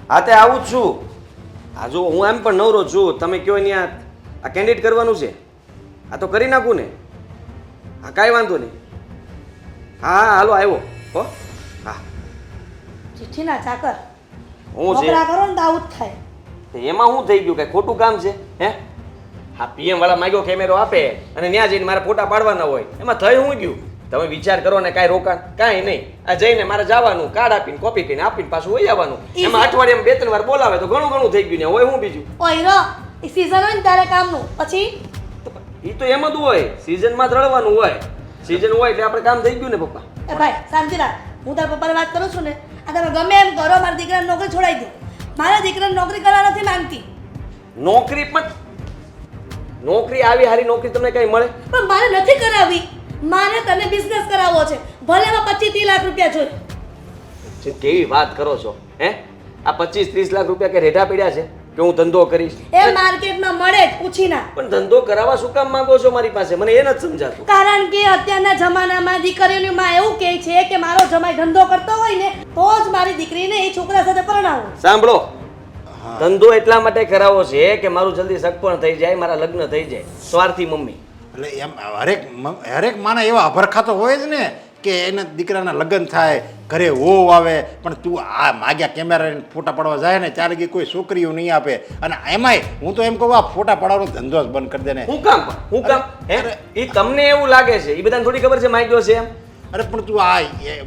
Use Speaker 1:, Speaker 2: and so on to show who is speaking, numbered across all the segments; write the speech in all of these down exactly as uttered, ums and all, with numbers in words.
Speaker 1: હા તે આવું જ છું. હા જો હું એમ પણ નવરો છું, તમે કયો અહીંયા આ કેન્ડિડેટ કરવાનું છે, આ તો કરી નાખું ને. હા કાંઈ વાંધો નહીં. હા હા હાલો આવ્યો હો. હા
Speaker 2: ચિઠ્ઠીના ચાકર
Speaker 1: હું છે
Speaker 2: નોકરા કરો ને તો આવું જ થાય.
Speaker 1: એમાં શું થઈ ગયું, કઈ ખોટું કામ છે હે? હા પીએમ વાળા માંગ્યો કેમેરો આપે અને ત્યાં જઈને મારે ફોટા પાડવાના હોય, એમાં થઈ હું ગયું? તમે વિચાર કરો ને, કાંઈ રોકાણ કાંઈ નહીં. આ જઈને મારે જવાનું, કાર્ડ આપીને કોપી કરીને આપીને પાછું વહી આવવાનું. એમાં અઠવાડિયામાં બે ત્રણ વાર બોલાવે તો ઘણું ઘણું થઈ ગયું ને હોય હું બીજું.
Speaker 2: ઓય રો એ સીઝન હોય ને ત્યારે કામનું, પછી
Speaker 1: એ તો એમ જ હોય, સિઝનમાં જ રળવાનું હોય. સિઝન હોય એટલે આપણે કામ થઈ ગયું ને પપ્પા.
Speaker 2: એ ભાઈ શાંતિ રાખ. હું તારા પપ્પાને વાત કરું છું ને, આ તમે ગમે એમ કરો, મારા દીકરાને નોકરી છોડાવી દો. મારા દીકરાને નોકરી કરવા નથી માંગતી.
Speaker 1: નોકરી પણ નોકરી આવી હારી નોકરી તમને કઈ મળે?
Speaker 2: પણ મારે નથી કરાવી, મારે તને બિઝનેસ કરાવવો છે. ભલે એમાં પચીસ ત્રીસ લાખ રૂપિયા જોઈએ.
Speaker 1: છે કેવી વાત કરો છો હે? આ પચીસ ત્રીસ લાખ રૂપિયા કે રેઢા પડ્યા છે કે હું ધંધો કરીશ?
Speaker 2: એ માર્કેટમાં મળે જ, પૂછી ના.
Speaker 1: પણ ધંધો કરાવવા શું કામ માંગો છો મારી પાસે? મને એ નથી સમજાતું.
Speaker 2: કારણ કે અત્યારના જમાનામાં દીકરીઓની માં એવું કહે છે કે મારો જમાઈ ધંધો કરતો હોય ને તો જ મારી દીકરીને એ છોકરા સાથે પરણાવું.
Speaker 1: સાંભળો, ધંધો એટલા માટે કરાવો છે કે મારું જલ્દી સગપણ થઈ જાય, મારા લગ્ન થઈ જાય. સ્વાર્થી મમ્મી.
Speaker 3: એટલે એમ હરેક હરેક માના એવા અભરખા તો હોય જ ને કે એના દીકરાના લગ્ન થાય, ઘરે હોવ આવે, પણ તું આ માગ્યા કેમેરા ફોટા પાડવા જાય ને ત્યારે કે કોઈ છોકરીઓ નહીં આપે. અને એમાંય હું તો એમ કહું આ ફોટા પાડવાનો ધંધો જ બંધ કરી દે ને.
Speaker 1: હું કામ પણ હું કામ હે? એ તમને એવું લાગે છે, એ બધાને થોડી ખબર છે માગ્યો છે એમ?
Speaker 3: અરે પણ તું આ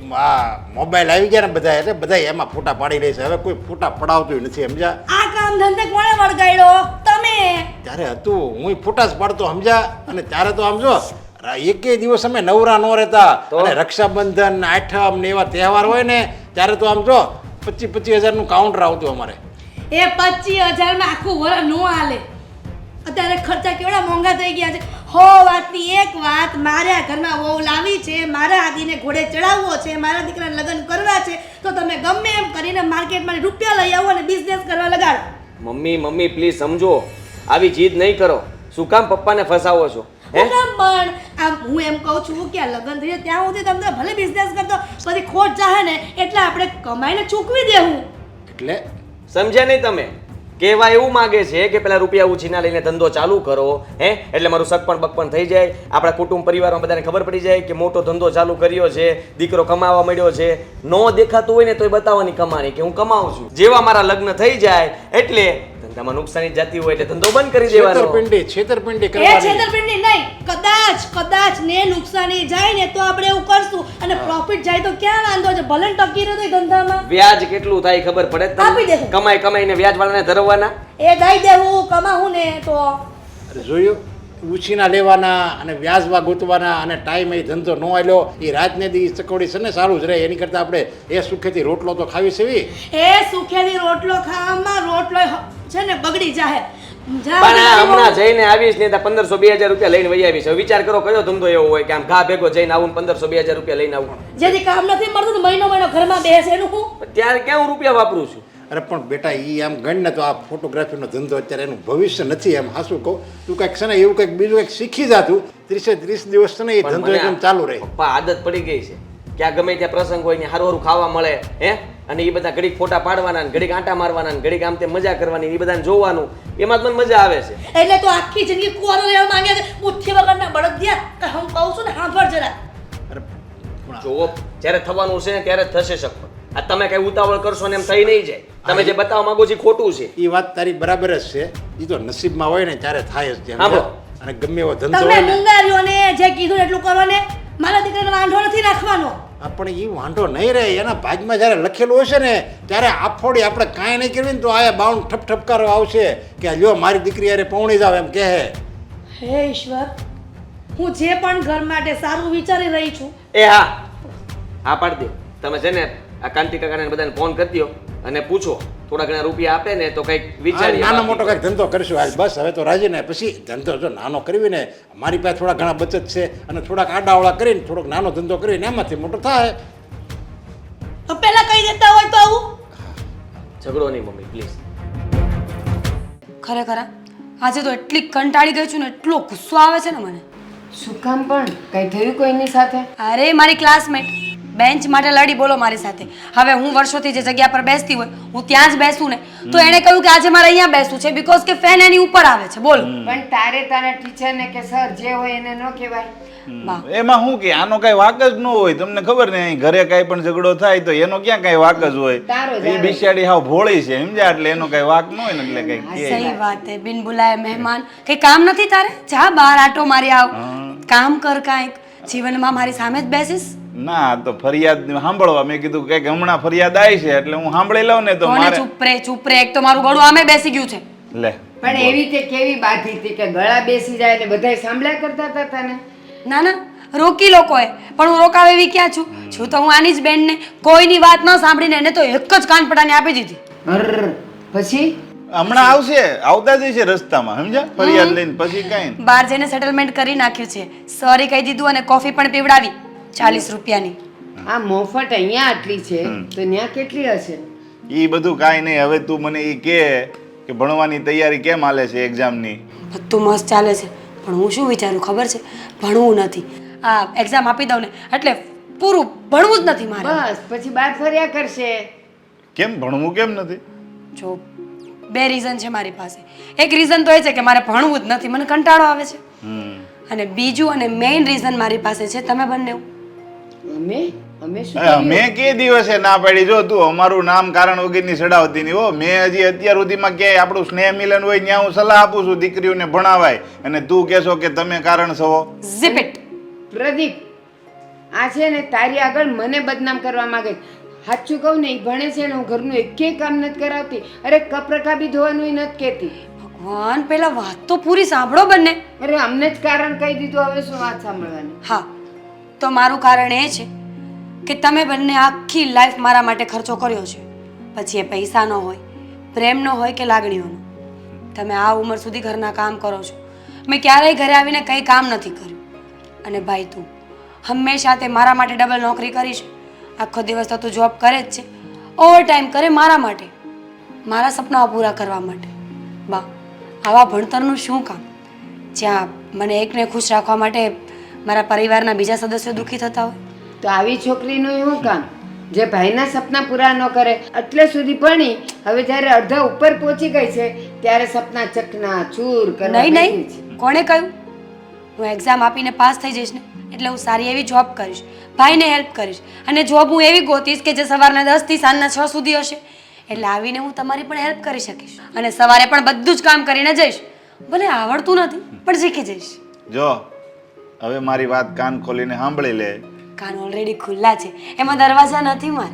Speaker 3: આ મોબાઈલ આવી ગયા ને બધા એટલે બધા એમાં ફોટા પાડી રહી છે. હવે કોઈ ફોટા પડાવતું નથી, સમજ્યા?
Speaker 2: આ કામ ધંધે કોણે વળગાડ્યો? તમે.
Speaker 3: ત્યારે હતું હું ફોટા જ પાડતો, સમજ્યા? અને ત્યારે તો આમ જો એકે દિવસ અમે નવરા ન રહેતા. અને રક્ષાબંધન, આઠમ ને એવા તહેવાર હોય ને ત્યારે તો આમ જો પચીસ પચીસ હજાર નું કાઉન્ટર આવતું અમારે.
Speaker 2: એ પચીસ હજાર માં આખું વર નો હાલે. અત્યારે ખર્ચા કેવડા મોંઘા થઈ ગયા છે. હો વાતની એક વાત, મારે આ ઘરમાં વહુ લાવી છે, મારા આદિને ઘોડે ચડાવવો છે, મારા દીકરાને લગ્ન કરવા છે, તો તમે ગમે એમ કરીને માર્કેટમાં રૂપિયા લઈ આવો અને બિઝનેસ કરવા લગાડો.
Speaker 1: મમ્મી મમ્મી પ્લીઝ સમજો, આવી જીદ નહીં કરો. શું કામ પપ્પાને ફસાવો છો હે?
Speaker 2: પણ આમ હું એમ કહું છું કે આ લગ્ન થઈ જાય ત્યાં સુધી તમને ભલે બિઝનેસ કરતો, પછી ખોટ જાહે ને એટલે આપણે કમાઈને ચૂકવી દેવું.
Speaker 3: એટલે
Speaker 1: સમજ્યા નહીં તમે? કહેવા એવું માગે છે કે પેલા રૂપિયા ઉછીના લઈને ધંધો ચાલુ કરો હે, એટલે મારું સગપણ બકપણ થઈ જાય, આપણા કુટુંબ પરિવારમાં બધાને ખબર પડી જાય કે મોટો ધંધો ચાલુ કર્યો છે, દીકરો કમાવા મળ્યો છે. નો દેખાતું હોય ને તોય બતાવવાની કમાણી કે હું કમાઉં છું. જેવા મારા લગ્ન થઈ જાય એટલે ધંધામાં નુકસાની જતી હોય એટલે ધંધો બંધ કરી દેવાનો.
Speaker 3: છેતરપિંડી છેતરપિંડી
Speaker 2: એ
Speaker 3: કરવાની.
Speaker 2: છેતરપિંડી નહીં, કદાચ કદાચ ને નુકસાની જાય ને તો આપણે એવું કરશું, અને પ્રોફિટ જાય તો ક્યાં વાંધો છે? ભલે ટકી રહ્યો તો ધંધામાં.
Speaker 1: વ્યાજ કેટલું થાય ખબર પડે
Speaker 2: આપી
Speaker 1: તમને?
Speaker 2: દેવું.
Speaker 1: કમાઈ કમાઈને વ્યાજ વાળાને ધરવાના.
Speaker 2: એ દઈ દેવું, કમાવું ને તો.
Speaker 3: અરે જોયું, ઉછીના લેવાના અને વ્યાજમાં ગોતવાના અને ટાઈમ એ ધંધો ન આલ્યો એ રાતને દી ચકોડી છે ને સારું જ રહે. એની કરતાં આપણે એ સુખેથી રોટલો તો ખાવી સેવી.
Speaker 2: એ સુખેથી રોટલો ખાવામાં રોટલો છે ને બગડી જાહે. જા
Speaker 1: પણ આ હમણાં જઈને આવીશ ને ત્યાં પંદરસો બે હજાર રૂપિયા લઈને વહી આવીશ. હવે વિચાર કરો કયો ધંધો એવો હોય કે આમ ઘા ભેગો જઈને આવું પંદરસો બે હજાર રૂપિયા લઈને આવું?
Speaker 2: જેથી કામ નથી મળતું તો મહિનો મહિનો ઘરમાં બેસે એનું હું.
Speaker 1: ત્યારે ક્યાં હું રૂપિયા વાપરું છું?
Speaker 3: અરે પણ બેટા એ આમ ગણ ને તો આ ફોટોગ્રાફીનો ધંધો અત્યારે એનું ભવિષ્ય નથી. એમ હાસું કહું, તું કંઈક છે ને એવું કંઈક બીજું કંઈક શીખી જાતું, ત્રીસે ત્રીસ દિવસ છે ને એ ધંધો એકદમ ચાલુ રહે.
Speaker 1: પપ્પા આદત પડી ગઈ છે કે આ ગમે ત્યાં પ્રસંગ હોય ને હારું હારું ખાવા મળે હે, અને એ બધા ઘડીક ફોટા પાડવાના ને ઘડીક આંટા મારવાના ને ઘડીક આમ તે મજા કરવાની, એ બધાને જોવાનું, એમાં જ મને મજા આવે છે.
Speaker 2: એટલે તો આખી જિંદગી કુંવારો રહેવા માંગે છે, બુદ્ધિ વગરના બળદિયા. કે હું કહું છું ને સાંભળ જરા.
Speaker 3: અરે
Speaker 1: જોવો, જ્યારે થવાનું છે ને ત્યારે જ થશે શકતો. આ તમે કઈ ઉતાવળ કરશો ને એમ થઈ નહીં જાય. તમે જે બતાવવા માંગો છો એ ખોટું છે.
Speaker 3: એ વાત તારી બરાબર જ છે. એ તો નસીબમાં હોય ને ત્યારે થાય જ.
Speaker 1: હા બો.
Speaker 3: અને ગમે એવો ધંધો
Speaker 2: તમે
Speaker 3: હોય ને
Speaker 2: મુંગારીઓને જે કીધું એટલું કરો ને. મારા દીકરાને વાંધો નથી રાખવાનો.
Speaker 3: આપણે એ વાંધો નહીં રહે. એના ભાગમાં જ્યારે લખેલું હશે ને ત્યારે આફોડી આપણે કાંઈ નહીં કરવી ને તો આયા બાઉન્ડ ઠપ ઠપકારો આવશે કે લ્યો મારી દીકરી યારે પૌણી જાવ એમ કહે.
Speaker 2: હે ઈશ્વર, હું જે પણ ઘર માટે સારું વિચારી રહી છું.
Speaker 1: એ હા હા પાડી દે. તમે છે ને આ કાંતિ કાકાને બધાને ફોન કરી દો અને પૂછો, થોડા ઘણા રૂપિયા આપે ને તો કંઈક વિચારીએ.
Speaker 3: નાનો મોટો કંઈક ધંધો કરશું હાલ બસ. હવે તો રાજી ને પછી ધંધો જો નાનો કરવી ને, મારી પાસે થોડા ઘણા બચત છે અને થોડાક આડાવડા કરીને થોડોક નાનો ધંધો કરીને એમાંથી મોટો થાય.
Speaker 2: તો પહેલા કહી દેતા હોય તો આવું.
Speaker 1: ઝઘડો નહીં મમ્મી પ્લીઝ.
Speaker 4: ખરેખર આજે તો એટલી કંટાળી ગઈ છું ને, એટલો ગુસ્સો આવે છે ને મને.
Speaker 5: શું કામ પણ કઈ થયું કોઈની સાથે?
Speaker 4: અરે મારી ક્લાસમેટ બેન્ચ માટે લડી બોલો મારી સાથે. હવે હું વર્ષોથી જે જગ્યા પર બેસતી હોય હું ત્યાં જ બેસું ને તો એણે કહ્યું કે આજે મારે અહીંયા બેસવું છે બીકોઝ કે ફેન એની ઉપર આવે છે. બોલો
Speaker 5: પણ તારે તારા ટીચરને કે સર જે હોય એને ન કહેવાય.
Speaker 4: બા
Speaker 6: એમાં શું કે આનો કઈ વાક જ ન હોય. તમને ખબર ને અહીં ઘરે કઈ પણ ઝઘડો થાય તો એનો ક્યાં કઈ વાક જ હોય.
Speaker 5: તારો જ
Speaker 6: એ
Speaker 5: આવે.
Speaker 6: બિચારી હાવ ભોળી છે સમજ્યા, એટલે એનો કઈ વાક ન હોય ને એટલે કઈ કે
Speaker 4: સહી વાત હે. બિન બુલાય મહેમાન કઈ કામ નથી તારે? જા બહાર આટો મારી આવ. કામ કર કાંઈક. જીવનમાં મારી સામે જ બેસીસ?
Speaker 6: ના તો ફરિયાદ સાંભળવા મેં કીધું કે હમણાં ફરિયાદ આવી છે એટલે હું સાંભળી લઉં ને તો
Speaker 4: કોને
Speaker 6: મારે
Speaker 4: ચૂપ રે ચૂપ રે. એક તો મારું ગળું આમે બેસી ગયું છે.
Speaker 6: લે
Speaker 5: પણ એવી તે કેવી બાધી હતી કે ગળા બેસી જાય ને બધાય સાંભળ્યા કરતા હતા તને.
Speaker 4: ના ના રોકી લોકોએ પણ હું રોકાવ એવી ક્યાં છું છું તો હું આની જ બેનને કોઈની વાત ન સાંભળીને એને તો એક જ કાનપટાની આપી દીધી.
Speaker 5: હર પછી
Speaker 6: હમણાં આવશે, આવતા જ છે રસ્તામાં સમજ્યા, ફરિયાદ લઈને પછી કઈ
Speaker 4: બહાર જઈને સેટલમેન્ટ કરી નાખ્યું છે. સોરી કહી દીધું અને કોફી પણ પીવડાવી ચાલીસ રૂપિયાની.
Speaker 5: આ મોફત અહીંયા આટલી છે તો ત્યાં કેટલી હશે?
Speaker 6: ઈ બધું કાંઈ નહીં. હવે તું મને ઈ કે કે ભણવાની તૈયારી કેમ હાલે છે એક્ઝામની?
Speaker 4: બધું મસ્ત ચાલે છે પણ હું શું વિચારું ખબર છે? ભણવું નથી. આ એક્ઝામ આપી દઉં ને એટલે પૂરું ભણવું જ નથી મારે.
Speaker 5: બસ પછી બાર ફર્યા કરશે.
Speaker 6: કેમ ભણવું કેમ નથી?
Speaker 4: જો બે રીઝન છે મારી પાસે. એક રીઝન તો એ છે કે મારે ભણવું જ નથી, મને કંટાળો આવે છે.
Speaker 6: હમ
Speaker 4: અને બીજું અને મેઇન રીઝન મારી પાસે છે તમે બંને.
Speaker 5: અમે અમે શું
Speaker 6: અરે, મેં કે દિવસે ના પાડી જો તું અમારું નામ કારણ વગરની સડાવતી નહીં હો. મેં હજી અત્યાર સુધીમાં ક્યાંય આપણું સ્નેહ મિલન હોય ત્યાં હું સલાહ આપું છું દીકરીઓને ભણાવાય અને તું કહેશો કે તમે કારણ છો.
Speaker 4: Zip it.
Speaker 5: પ્રદીપ આ છે ને તારી આગળ મને બદનામ કરવા માંગે છે. સાચું કહું ને એ ભણે છે ને હું ઘરનું એકેય કામ નથી કરાવતી. અરે કપરખા બી ધોવાનું નથી કહેતી.
Speaker 4: ભગવાન પેલા વાત તો પૂરી સાંભળો બંને.
Speaker 5: અરે અમને જ કારણ કહી દીધું હવે શું વાત સાંભળવાની.
Speaker 4: હા તો મારું કારણ એ છે કે તમે બંને આખી લાઈફ મારા માટે ખર્ચો કર્યો છે. પછી એ પૈસાનો હોય, પ્રેમનો હોય કે લાગણીઓનો. તમે આ ઉંમર સુધી ઘરના કામ કરો છો. મેં ક્યારેય ઘરે આવીને કંઈ કામ નથી કર્યું. અને ભાઈ તું હંમેશા તે મારા માટે ડબલ નોકરી કરી છે. આખો દિવસ તો તું જોબ કરે જ છે, ઓવર ટાઈમ કરે મારા માટે, મારા સપનાઓ પૂરા કરવા માટે. બા આવા ભણતરનું શું કામ જ્યાં મને એકને ખુશ રાખવા માટે મારા પરિવારના બીજા સદસ્યો દુઃખી થતા હોય?
Speaker 5: તો આવી છોકરીનું શું કામ જે ભાઈના સપના પૂરા ન કરે? એટલે સુધી ભણી હવે જ્યારે અડધા ઉપર પહોંચી ગઈ છે ત્યારે સપના ચકના ચૂર કરવા
Speaker 4: નહીં
Speaker 5: બેઠી
Speaker 4: નહીં
Speaker 5: છે.
Speaker 4: કોણે કહ્યું? હું એક્ઝામ આપીને પાસ થઈ જઈશ ને એટલે હું સારી એવી જોબ કરીશ, ભાઈને હેલ્પ કરીશ અને જોબ હું એવી ગોતીશ કે જે સવારના દસથી સાંજના છ સુધી હશે. એટલે આવીને હું તમારી પણ હેલ્પ કરી શકીશ અને સવારે પણ બધું જ કામ કરીને જઈશ. ભલે આવડતું નથી પણ શીખી જઈશ.
Speaker 6: જો હવે મારી વાત કાન ખોલીને સાંભળી લે.
Speaker 4: કાન ઓલરેડી ખુલ્લા છે, એમાં દરવાજા નથી મારે.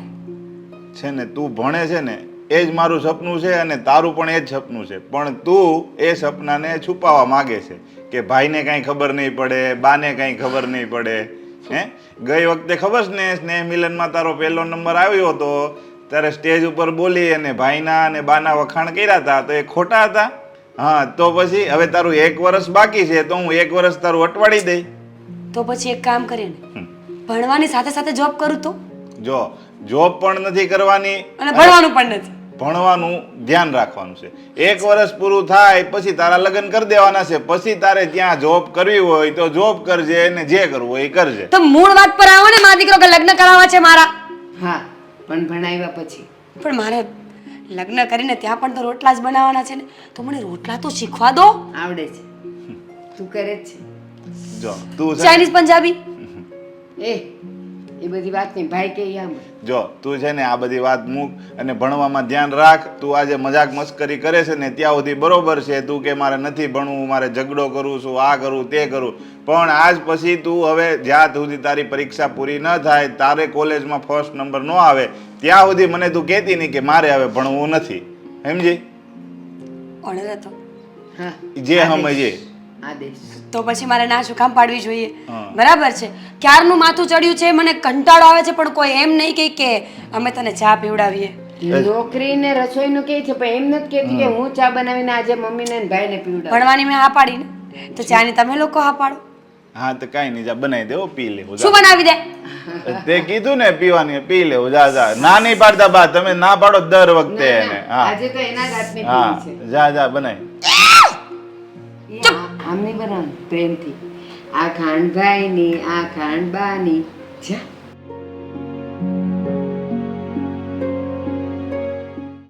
Speaker 6: છે ને તું ભણે છે ને એ જ મારું સપનું છે અને તારું પણ એ જ સપનું છે. પણ તું એ સપનાને છુપાવવા માગે છે કે ભાઈને કાંઈ ખબર નહીં પડે, બાને કાંઈ ખબર નહીં પડે. હે ગઈ વખતે ખબર છે ને સ્નેહ મિલનમાં તારો પહેલો નંબર આવ્યો હતો ત્યારે સ્ટેજ ઉપર બોલી અને ભાઈના અને બાના વખાણ કર્યા હતા તો એ ખોટા હતા? હા તો પછી હવે તારું એક વર્ષ બાકી છે તો હું એક વર્ષ તારું અટવાડી દઈ.
Speaker 4: તો પછી એક કામ કરીએ ને, ભણવાની સાથે સાથે જોબ કરું તો?
Speaker 6: જો જોબ પણ નથી કરવાની
Speaker 4: અને ભણવાનું પણ નથી.
Speaker 6: ભણવાનું ધ્યાન રાખવાનું છે. એક વર્ષ પૂરું થાય પછી તારા લગ્ન કરી દેવાના છે. પછી તારે ત્યાં જોબ કરવી હોય તો જોબ કરજે અને જે કરવું હોય એ કરજે.
Speaker 4: તો મૂળ વાત પર આવો ને, મારા દીકરો કે લગ્ન કરાવવા છે મારા.
Speaker 5: હા પણ ભણાવ્યા પછી
Speaker 4: પણ મારે લગ્ન કરીને ત્યાં પણ તો રોટલા જ બનાવવાના છે ને, તો મને રોટલા તો શીખવા દો.
Speaker 5: આવડે છે, તું કરે જ છે.
Speaker 6: જો તું છે
Speaker 4: ચાઇનીઝ પંજાબી
Speaker 5: એ એ બધી વાત નહીં ભાઈ કે આમ
Speaker 6: જો તું છે ને આ બધી વાત મૂક અને ભણવામાં ધ્યાન રાખ. તું આજે મજાક મસ્કરી કરે છે ને ત્યાં સુધી બરોબર છે. તું કે મારે નથી ભણવું, મારે ઝઘડો કરું છું, આ કરું તે કરું, પણ આજ પછી તું હવે જ્યાં સુધી તારી પરીક્ષા પૂરી ન થાય, તારે કોલેજમાં ફર્સ્ટ નંબર ન આવે ત્યાં સુધી મને તું કહેતી નહીં કે મારે હવે ભણવું નથી. સમજી?
Speaker 4: ઓર્ડર હતો
Speaker 5: હા
Speaker 6: જે સમજે
Speaker 5: આદેશ.
Speaker 4: તો પછી મારે ના શું કામ પાડવી જોઈએ?
Speaker 6: હા.
Speaker 4: બરાબર છે. ક્યારનું માથું ચડ્યું છે, મને કંટાળો આવે છે, પણ કોઈ એમ નહીં કહે કે અમે તને ચા પીવડાવીએ.
Speaker 5: નોકરી ને રસોઈ નું કે છે પણ એમ નથી કહેતી કે હું ચા બનાવીને આજે મમ્મીને ને ભાઈને પીવડાવું.
Speaker 4: ભણવાની મેં હા પાડી ને, તો ચાની તમે લોકો હા પાડો.
Speaker 6: હા તો કાંઈ નહીં, જા બનાવી દેવો, પી લેવું.
Speaker 4: શું બનાવી દે?
Speaker 6: તે કીધું ને પીવાની, પી લેવું. જા જા ના નહીં પાડતા બા, તમે ના પાડો દર વખતે
Speaker 5: ના,
Speaker 6: એને.
Speaker 5: ના,
Speaker 6: હા
Speaker 5: આજે તો એના જ હાથની
Speaker 6: હા
Speaker 5: પીવી છે.
Speaker 6: જા જા બનાવી.
Speaker 5: એ આ- આમ નહીં બનાવવાનું પ્રેમથી. આ ખાંડભાઈ ની આ ખાંડબા ની જા